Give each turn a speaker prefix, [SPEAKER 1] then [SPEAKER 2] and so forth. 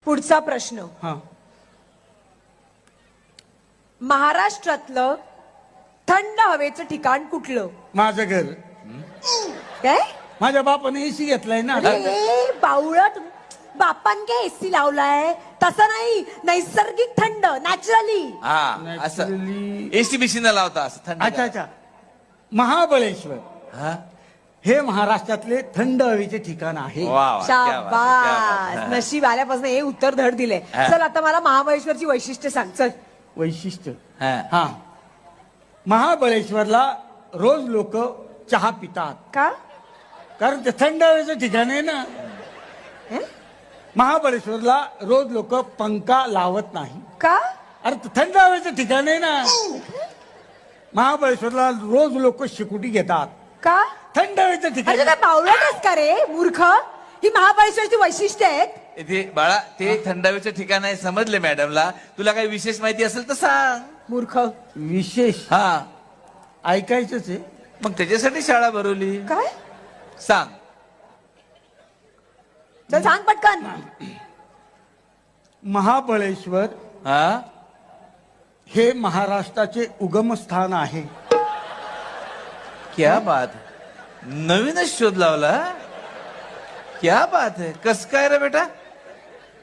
[SPEAKER 1] पुढचा प्रश्न,
[SPEAKER 2] हा
[SPEAKER 1] महाराष्ट्रातलं थंड हवेचं ठिकाण कुठलं?
[SPEAKER 2] माझं घर.
[SPEAKER 1] काय?
[SPEAKER 2] माझ्या बापाने एसी घेतलाय ना.
[SPEAKER 1] अरे बावळट, बापान काय एसी लावलाय? तसं नाही, नैसर्गिक थंड, नॅचरली.
[SPEAKER 3] हा असं
[SPEAKER 2] Naturally.
[SPEAKER 3] एसी बिसी न लावता असं थंड.
[SPEAKER 2] अच्छा अच्छा. महाबळेश्वर
[SPEAKER 3] हा
[SPEAKER 2] हे महाराष्ट्रातले थंड हवेचे ठिकाण आहे.
[SPEAKER 3] वा वा, क्या बात है, क्या बात
[SPEAKER 1] शाबास,
[SPEAKER 3] है.
[SPEAKER 1] नशीब आल्यापासून हे उत्तर धड दिले.
[SPEAKER 3] हा.
[SPEAKER 1] चल आता मला महाबळेश्वरची वैशिष्ट्य सांग. चल.
[SPEAKER 2] वैशिष्ट्य
[SPEAKER 3] हा.
[SPEAKER 2] हा महाबळेश्वरला रोज लोक चहा पितात
[SPEAKER 1] का?
[SPEAKER 2] कारण ते थंड हवेचं ठिकाण आहे ना.
[SPEAKER 1] हे?
[SPEAKER 2] महाबळेश्वरला रोज लोक पंखा लावत नाही.
[SPEAKER 1] का?
[SPEAKER 2] अरे ते थंड हवेचं ठिकाण आहे ना. महाबळेश्वरला रोज लोक शिकुटी घेतात.
[SPEAKER 1] का?
[SPEAKER 2] थंड हवेचं ठिकाण
[SPEAKER 1] अरे काय बावळटच का रे मूर्ख? ही महाबळेश्वरची वैशिष्ट्य आहेत.
[SPEAKER 3] इथे बाळा ते थंडावीचं ठिकाण आहे समजले मॅडमला. तुला काही विशेष माहिती असेल तर सांग.
[SPEAKER 1] मूर्ख.
[SPEAKER 2] विशेष
[SPEAKER 3] हा
[SPEAKER 2] ऐकायचंच आहे.
[SPEAKER 3] मग त्याच्यासाठी शाळा भरवली.
[SPEAKER 1] काय?
[SPEAKER 3] सांग.
[SPEAKER 1] चल सांग पटकन.
[SPEAKER 2] महाबळेश्वर
[SPEAKER 3] हा
[SPEAKER 2] हे महाराष्ट्राचे उगमस्थान आहे.
[SPEAKER 3] क्या बात है. नवीनच शोध लावला. क्या बात है. कस काय रे बेटा?